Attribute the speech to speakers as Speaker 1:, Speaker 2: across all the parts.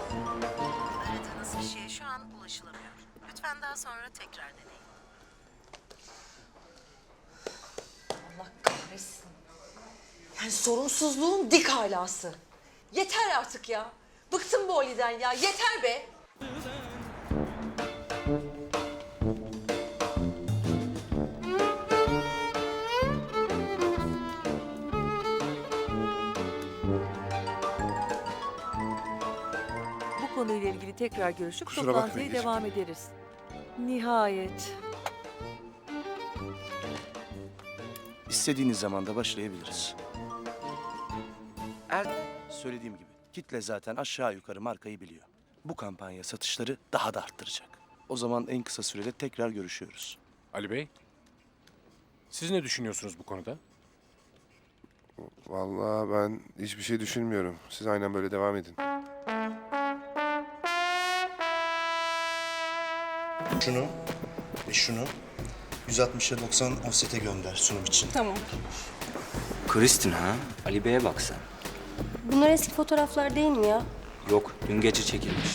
Speaker 1: Aradığınız kişiye şu an ulaşılamıyor. Lütfen daha sonra tekrar deneyin.
Speaker 2: Allah kahretsin. Yani sorumsuzluğun dik alası. Yeter artık ya. Bıktım bu Ali'den ya. Yeter be.
Speaker 3: Bu konuyla ilgili tekrar görüşüp
Speaker 4: Kusura
Speaker 3: toplantıya
Speaker 4: bakmayın,
Speaker 3: devam ederiz. Nihayet.
Speaker 5: İstediğiniz zaman da başlayabiliriz. Söylediğim gibi kitle zaten aşağı yukarı markayı biliyor. Bu kampanya satışları daha da arttıracak. O zaman en kısa sürede tekrar görüşüyoruz.
Speaker 6: Ali Bey, siz ne düşünüyorsunuz bu konuda?
Speaker 4: Vallahi ben hiçbir şey düşünmüyorum. Siz aynen böyle devam edin.
Speaker 5: Şunu ve şunu 160'a 90 offset'e gönder sunum için.
Speaker 7: Tamam.
Speaker 8: Kristin ha? Ali Bey'e bak sen.
Speaker 7: Bunlar eski fotoğraflar değil mi ya?
Speaker 8: Yok, dün gece çekilmiş.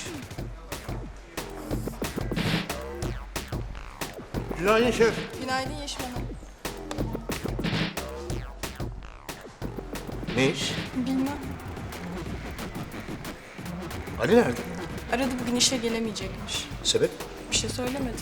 Speaker 4: Günaydın şef.
Speaker 7: Günaydın Yeşim Hanım.
Speaker 5: Ne iş?
Speaker 7: Bilmem.
Speaker 5: Ali nerede?
Speaker 7: Aradı bugün işe gelemeyecekmiş.
Speaker 5: Sebep?
Speaker 7: Bir şey söylemedi.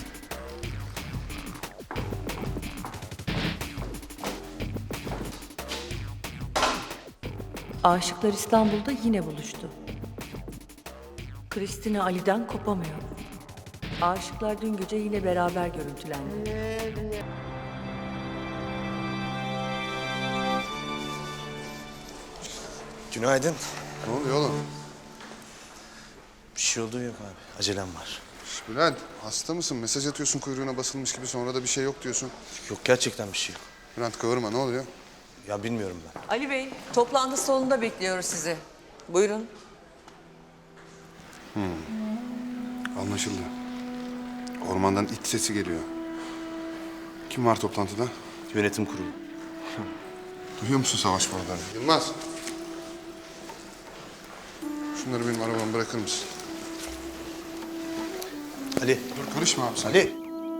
Speaker 3: Aşıklar İstanbul'da yine buluştu. Kristina Ali'den kopamıyor. Aşıklar dün gece yine beraber görüntülendi.
Speaker 5: Günaydın.
Speaker 4: Ne oluyor oğlum?
Speaker 5: Bir şey olduğu yok abi. Acelem var.
Speaker 4: Şş, Bülent, hasta mısın? Mesaj atıyorsun kuyruğuna basılmış gibi, sonra da bir şey yok diyorsun.
Speaker 5: Yok gerçekten bir şey yok.
Speaker 4: Bülent kıvırma, ne oluyor?
Speaker 5: Ya bilmiyorum ben.
Speaker 2: Ali Bey, toplantı salonunda bekliyoruz sizi. Buyurun.
Speaker 4: Anlaşıldı. Ormandan it sesi geliyor. Kim var toplantıda?
Speaker 5: Yönetim kurulu.
Speaker 4: Duyuyor musun savaş buraları? Yılmaz. Şunları benim arabama bırakır mısın?
Speaker 5: Ali.
Speaker 4: Dur karışma abi sen.
Speaker 5: Ali.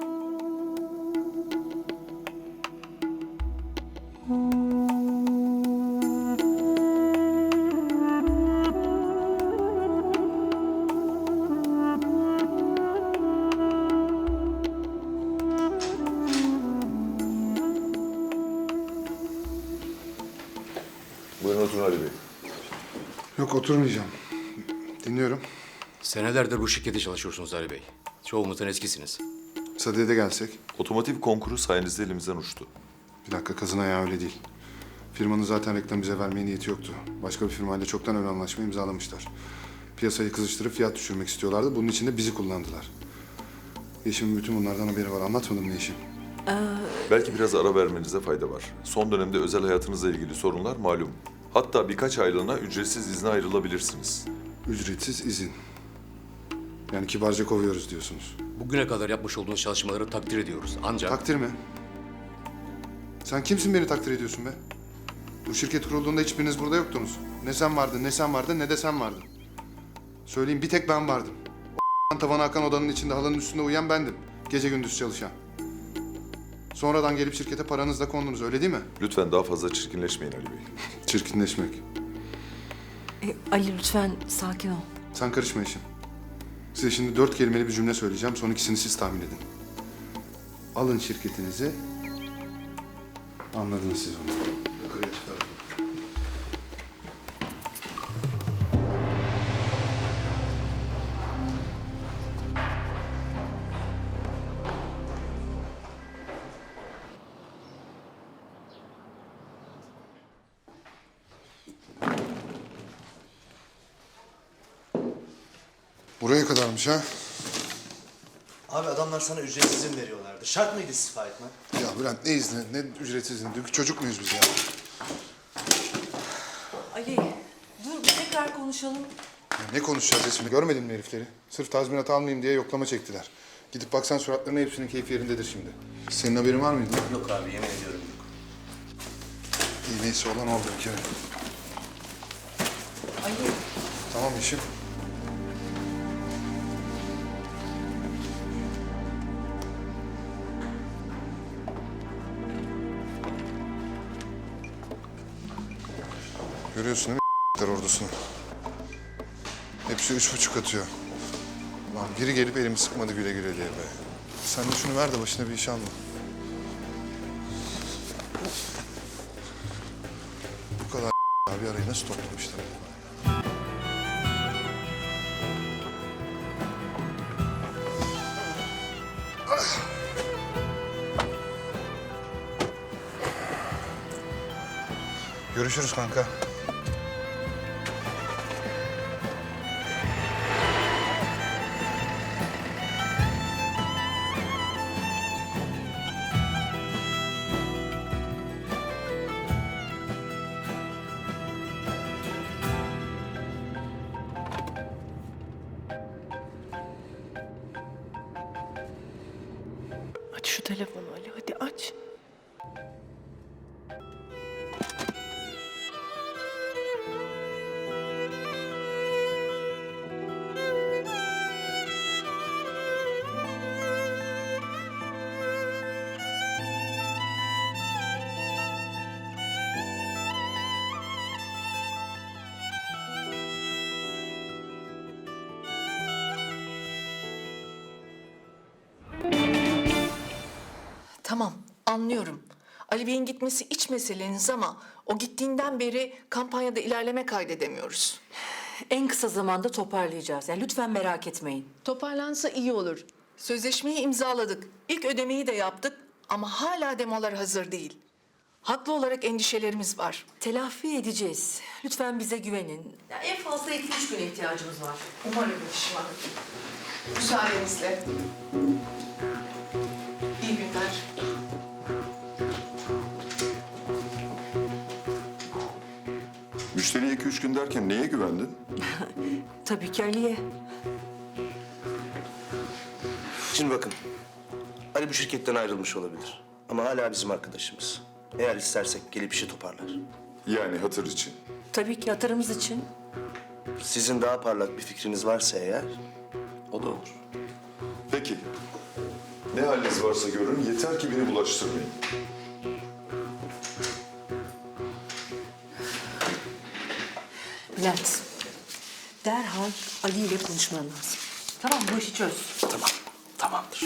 Speaker 9: Buyurun oturun Ali Bey.
Speaker 4: Yok oturmayacağım. Dinliyorum.
Speaker 6: Senelerdir bu şirkette çalışıyorsunuz Ali Bey. Çoğumuzdan eskisiniz.
Speaker 4: Sadiye'de de gelsek.
Speaker 9: Otomotiv konkuru sayenizde elimizden uçtu.
Speaker 4: Bir dakika kazın ayağı öyle değil. Firmanın zaten reklam bize vermeye niyeti yoktu. Başka bir firmayla çoktan ön anlaşma imzalamışlar. Piyasayı kızıştırıp fiyat düşürmek istiyorlardı. Bunun için de bizi kullandılar. Yeşim'in bütün bunlardan haberi var. Anlatmadım mı Yeşim?
Speaker 9: Belki biraz ara vermenize fayda var. Son dönemde özel hayatınızla ilgili sorunlar malum. Hatta birkaç aylığına ücretsiz izne ayrılabilirsiniz.
Speaker 4: Ücretsiz izin. Yani kibarca kovuyoruz diyorsunuz.
Speaker 6: Bugüne kadar yapmış olduğunuz çalışmaları takdir ediyoruz. Ancak
Speaker 4: Takdir mi? Sen kimsin beni takdir ediyorsun be? Bu şirket kurulduğunda hiçbiriniz burada yoktunuz. Ne sen vardın, ne sen vardın, ne de sen vardın. Söyleyeyim bir tek ben vardım. O tavana akan odanın içinde halının üstünde uyuyan bendim. Gece gündüz çalışan. Sonradan gelip şirkete paranızla kondunuz öyle değil mi?
Speaker 9: Lütfen daha fazla çirkinleşmeyin Ali Bey.
Speaker 4: Çirkinleşmek.
Speaker 3: Ali lütfen sakin ol.
Speaker 4: Sen karışma işim. Size şimdi 4 kelimeli bir cümle söyleyeceğim. Son ikisini siz tahmin edin. Alın şirketinizi. Anladınız siz onu. Yukarıya çıkarın. Buraya kadarmış ha?
Speaker 5: Abi adamlar sana ücretsiz izin veriyorlardı. Şart mıydı istifa etmen?
Speaker 4: Ya Bülent ne izni, ne ücretsiz izni? Dünkü çocuk muyuz biz ya?
Speaker 2: Ali, dur bir tekrar konuşalım.
Speaker 4: Ya ne konuşacağız şimdi? Görmedin mi herifleri? Sırf tazminat almayayım diye yoklama çektiler. Gidip baksan suratlarına hepsinin keyfi yerindedir şimdi. Senin haberin var mıydı?
Speaker 5: Yok abi yemin ediyorum yok.
Speaker 4: İyi neyse olan oldu bir kere.
Speaker 2: Ali,
Speaker 4: Tamam işim. Görüyorsun değil mi ordusunu? Hepsi 3,5 atıyor. Lan biri gelip elimi sıkmadı güle güle diye be. Sen de şunu ver de başına bir iş alma. Bu kadar abi arayı nasıl toplamışlar? Görüşürüz kanka.
Speaker 3: Aç şu telefonu Ali, hadi aç.
Speaker 10: Tamam, anlıyorum. Ali Bey'in gitmesi iç meseleniz ama o gittiğinden beri kampanyada ilerleme kaydedemiyoruz.
Speaker 3: En kısa zamanda toparlayacağız. Yani lütfen merak etmeyin.
Speaker 10: Toparlansa iyi olur. Sözleşmeyi imzaladık. İlk ödemeyi de yaptık ama hala demolar hazır değil. Haklı olarak endişelerimiz var.
Speaker 3: Telafi edeceğiz. Lütfen bize güvenin. Ya en fazla 2-3 güne ihtiyacımız var.
Speaker 10: Umarım Yeşim Hanım. Müsaadenizle. İyi günler.
Speaker 9: Müşteriye 2-3 gün derken neye güvendin?
Speaker 3: Tabii ki Ali'ye.
Speaker 5: Şimdi bakın, Ali bu şirketten ayrılmış olabilir. Ama hala bizim arkadaşımız. Eğer istersek gelip işi toparlar.
Speaker 9: Yani hatır için.
Speaker 3: Tabii ki hatırımız için.
Speaker 5: Sizin daha parlak bir fikriniz varsa eğer, o da olur.
Speaker 9: Peki. Ne haliniz varsa görün, yeter ki beni bulaştırmayın.
Speaker 3: Bülent, derhal Ali ile konuşman lazım. Tamam, bu işi çöz.
Speaker 5: Tamam, tamamdır.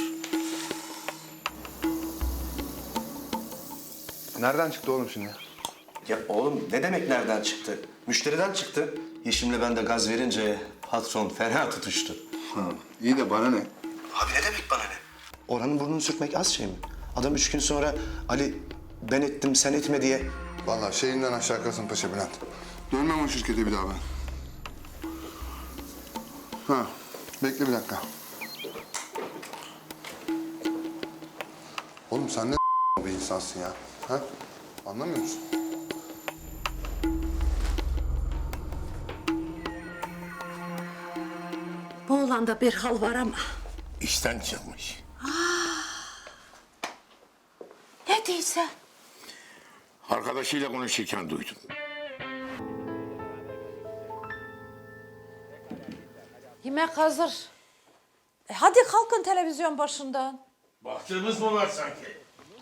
Speaker 4: Nereden çıktı oğlum şimdi?
Speaker 5: Ya oğlum ne demek nereden çıktı? Müşteriden çıktı. Yeşim'le ben de gaz verince patron fena tutuştu.
Speaker 4: Ha, iyi de bana ne?
Speaker 5: Abi ne demek bana ne? Orhan'ın burnunu sürtmek az şey mi? Adam 3 gün sonra Ali ben ettim sen etme diye.
Speaker 4: Vallahi şeyinden aşağı Kasımpaşa Bülent. Dönmem o şirkete bir daha ben. Ha, bekle bir dakika. Oğlum sen ne bir insansın ya? Ha? Anlamıyor musun?
Speaker 1: Bu oğlanda bir hal var ama.
Speaker 11: İşten çıkmış.
Speaker 1: Ne değilse.
Speaker 11: Arkadaşıyla konuşurken duydum.
Speaker 1: Yemek hazır. Hadi kalkın televizyon başından.
Speaker 11: Baktığımız mı var sanki?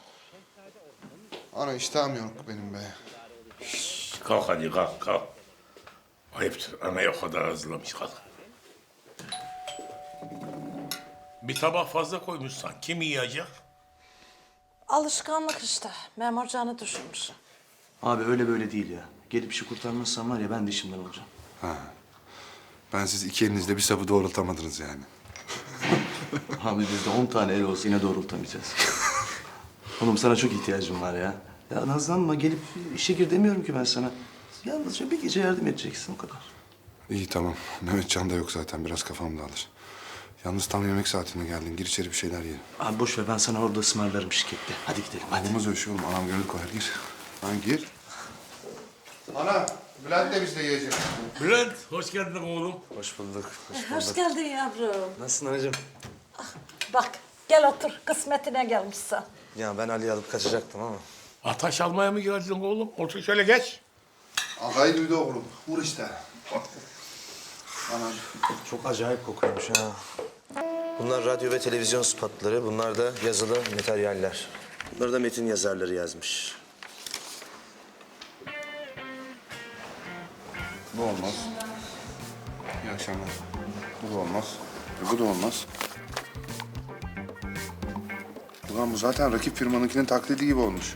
Speaker 4: Ana iştahım yok benim be.
Speaker 11: Kalk hadi kalk kalk. Ayıptır anayı o kadar hazırlamış kalk. Bir tabak fazla koymuşsan kim yiyecek?
Speaker 1: Alışkanlık işte. Memur canı düşünmüş.
Speaker 5: Abi öyle böyle değil ya. Gelip işi kurtarmazsan var ya ben de işimden olacağım.
Speaker 4: Ben siz iki elinizle bir sapı doğrultamadınız yani.
Speaker 5: Abi bizde 10 tane el olsa yine doğrultamayacağız. Oğlum sana çok ihtiyacım var ya. Ya nazlanma gelip işe gir demiyorum ki ben sana. Yalnızca bir gece yardım edeceksin o kadar.
Speaker 4: İyi tamam. Mehmetcan da yok zaten. Biraz kafam dağılır. Yalnız tam yemek saatine geldin. Gir içeri bir şeyler yiyelim.
Speaker 5: Abi boş ver ben sana orada ısmarlarım şirkette. Hadi gidelim hadi.
Speaker 4: Olmaz öyle şey oğlum. Anam gönül koyar. Gir. Lan gir. Ana, Bülent de bizle yiyecek.
Speaker 11: Bülent hoş geldin oğlum.
Speaker 5: Hoş bulduk.
Speaker 1: Hoş geldin yavrum.
Speaker 5: Nasılsın anacığım?
Speaker 1: Bak gel otur. Kısmetine gelmişsin.
Speaker 5: Ya ben Ali'yi alıp kaçacaktım ama.
Speaker 11: Ataş almaya mı geldin oğlum? Otur şöyle geç.
Speaker 4: Ağayı duydu oğlum. Vur işte. Ana.
Speaker 5: Çok acayip kokuyormuş ha. Bunlar radyo ve televizyon spotları. Bunlar da yazılı materyaller. Bunları da metin yazarları yazmış.
Speaker 4: Bu olmaz. İyi akşamlar. Bu da olmaz. Bu da olmaz. Ulan bu zaten rakip firmanınkinin taklidi gibi olmuş.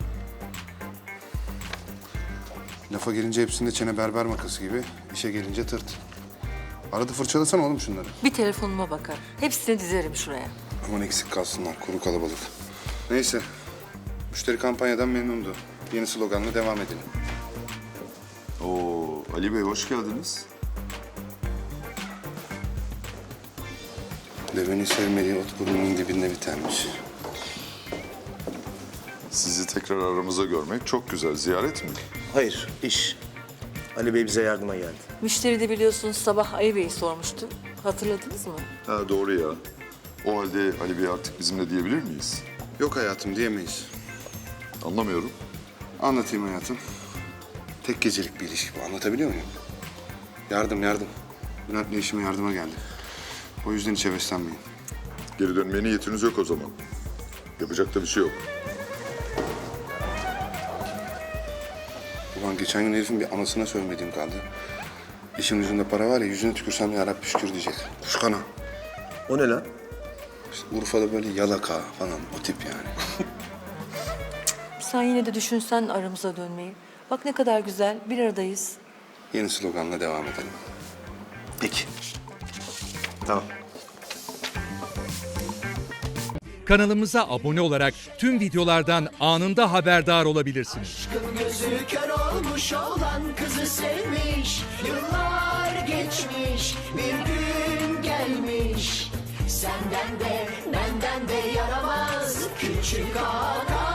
Speaker 4: Lafa gelince hepsinde çene berber makası gibi, işe gelince tırt. Arada fırçalasana oğlum şunları.
Speaker 3: Bir telefonuma bakar. Hepsini dizerim şuraya.
Speaker 4: Aman eksik kalsınlar, kuru kalabalık. Neyse, müşteri kampanyadan memnundu. Yeni sloganla devam edelim.
Speaker 9: Oo, Ali Bey hoş geldiniz.
Speaker 4: Devenin sevmediği ot burnunun dibinde bitermiş.
Speaker 9: Sizi tekrar aramıza görmek çok güzel. Ziyaret mi?
Speaker 5: Hayır, iş. Ali Bey bize yardıma geldi.
Speaker 3: Müşteri de biliyorsunuz sabah Ali Bey'i sormuştu. Hatırladınız mı?
Speaker 9: Ha doğru ya. O halde Ali Bey artık bizimle diyebilir miyiz?
Speaker 4: Yok hayatım diyemeyiz.
Speaker 9: Anlamıyorum.
Speaker 4: Anlatayım hayatım. Tek gecelik bir ilişki bu, anlatabiliyor muyum? Yardım. Bülent'le işime yardıma geldi. O yüzden hiç heveslenmeyin.
Speaker 9: Geri dönmeye niyetiniz yok o zaman. Yapacak da bir şey yok.
Speaker 4: Ulan geçen gün herifin bir anasına sövmediğim kaldı. İşin yüzünde para var ya, yüzüne tükürsem ya Rabbi şükür diyecek. Kuşkana.
Speaker 5: O ne lan?
Speaker 4: İşte Urfa'da böyle yalaka falan, o tip yani.
Speaker 3: Sen yine de düşünsen aramıza dönmeyi. Bak ne kadar güzel, bir aradayız.
Speaker 4: Yeni sloganla devam edelim.
Speaker 5: Peki. Tamam.
Speaker 12: Kanalımıza abone olarak tüm videolardan anında haberdar olabilirsiniz.
Speaker 13: Gözü kör olmuş olan kızı sevmiş. Yıllar geçmiş, bir gün gelmiş. Senden de benden de yaramaz küçük ağa.